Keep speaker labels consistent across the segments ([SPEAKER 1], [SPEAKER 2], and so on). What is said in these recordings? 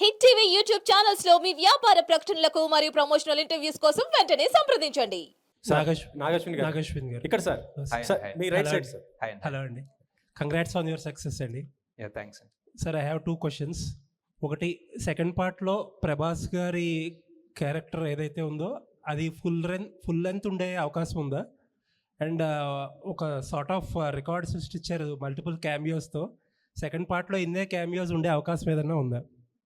[SPEAKER 1] Hit TV YouTube channels లో మీ వ్యాపార ప్రకటనలకు మరియు ప్రమోషనల్ ఇంటర్వ్యూస్ కోసం వెంటనే సంప్రదించండి.
[SPEAKER 2] నాగశ్విన్ గారు
[SPEAKER 3] ఇక్కడ సార్ మీ రైట్ సైడ్ సార్.
[SPEAKER 2] హలో అండి, కంగ్రాట్స్ ఆన్ యువర్ సక్సెస్ అండి.
[SPEAKER 4] Thanks.
[SPEAKER 2] Sir I have 2 questions. ఒకటి, సెకండ్ పార్ట్లో ప్రభాస్ గారి క్యారెక్టర్ ఏదైతే ఉందో అది ఫుల్ లెంత్ ఉండే అవకాశం ఉందా? అండ్ ఒక సార్ట్ ఆఫ్ రికార్డ్ సృష్టించారు మల్టిపుల్ క్యామియోస్తో. సెకండ్ పార్ట్లో ఇన్నే క్యామియోస్ ఉండే అవకాశం ఏదైనా ఉందా?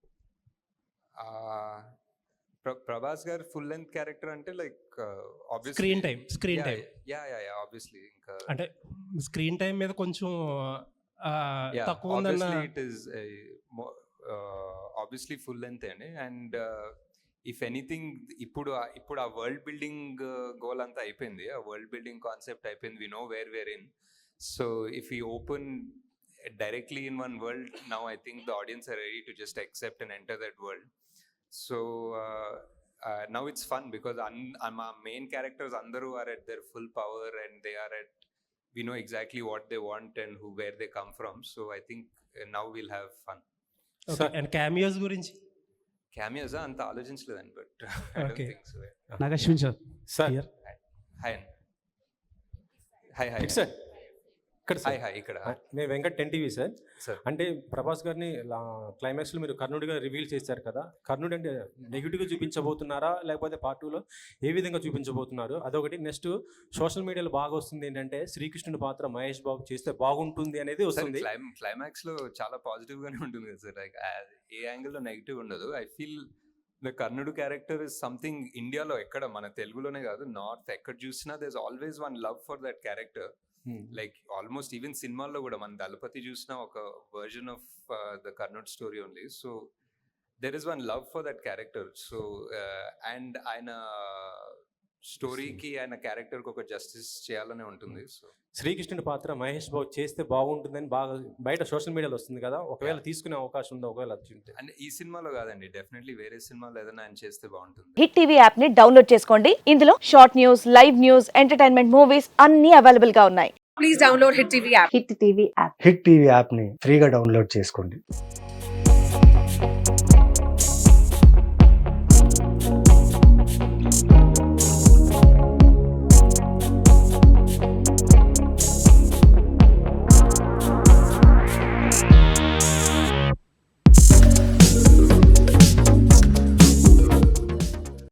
[SPEAKER 4] Prabhas garu full length character అంటే లైక్
[SPEAKER 2] స్క్రీన్ టైం
[SPEAKER 4] ఆబ్వియస్లీ ఇంకా
[SPEAKER 2] అంటే స్క్రీన్ టైం మీద కొంచెం తక్కువ ఉందన్న.
[SPEAKER 4] It is obviously full length అండి. అండ్ ఇఫ్ ఎనీథింగ్ ఇప్పుడు ఆ వరల్డ్ బిల్డింగ్ గోల్ అంతా అయిపోయింది, ఆ వరల్డ్ బిల్డింగ్ కాన్సెప్ట్ అయిపోయింది. We know where in. So if you open directly in one world, now I think the audience are ready to just accept and enter that world. So now it's fun because our main characters andaru are at their full power and they are at, we know exactly what they want and where they come from. So I think now we'll have fun.
[SPEAKER 2] Okay. And cameos gurinchi?
[SPEAKER 4] Cameos anta alochinchaledi, but I don't think so.
[SPEAKER 3] Nagashwin sir. Here. Hi.
[SPEAKER 4] It's sir. ఇక్కడ
[SPEAKER 3] నేను Venkat 10 TV sir.
[SPEAKER 4] Sir,
[SPEAKER 3] అంటే ప్రభాస్ గారిని క్లైమాక్స్లో మీరు కర్ణుడిగా reveal చేశారు కదా, కర్ణుడు అంటే నెగిటివ్గా చూపించబోతున్నారా లేకపోతే పార్ట్ 2లో ఏ విధంగా చూపించబోతున్నారు? అదొకటి. నెక్స్ట్ సోషల్ మీడియాలో బాగా వస్తుంది ఏంటంటే శ్రీకృష్ణుడి పాత్ర మహేష్ బాబు చేస్తే బాగుంటుంది అనేది వస్తుంది.
[SPEAKER 4] క్లైమాక్స్ లో చాలా పాజిటివ్ గానే ఉంటుంది కదా సార్. లైక్ ఏ యాంగిల్లో నెగిటివ్ ఉండదు. ఐ ఫీల్ ద కర్ణుడు క్యారెక్టర్ ఇస్ సంథింగ్ ఇండియాలో ఎక్కడ, మన తెలుగులోనే కాదు, నార్త్ ఎక్కడ చూసినా there is always one love for that character. Like almost even సినిమాల్లో కూడా మన దళపతి చూసిన ఒక వర్జన్ ఆఫ్ ద కర్నూట్ story only. So there is one love for that character. So and ఆయన స్టోరీకి ఆయన క్యారెక్టర్కి ఒక జస్టిస్ చేయాలనే ఉంటుంది. సో
[SPEAKER 3] శ్రీకృష్ణుడి పాత్ర మహేష్ బాబు చేస్తే బాగుంటుందని బాగా బయట సోషల్ మీడియాలో వస్తుంది కదా, ఒకవేళ తీసుకునే అవకాశం ఉందా? ఒకవేళ
[SPEAKER 4] అంటే ఈ సినిమాలో కాదండి, డెఫినెట్లీ వేరే సినిమాలో ఏదైనా ఆయన చేస్తే బాగుంటుంది.
[SPEAKER 1] హిట్ టీవీ యాప్ ని డౌన్లోడ్ చేసుకోండి. ఇందులో short news, live news, entertainment movies అన్ని అవైలబుల్ గా ఉన్నాయి. Please download hit TV app.
[SPEAKER 5] Hit TV యాప్ని ఫ్రీగా డౌన్లోడ్ చేసుకోండి.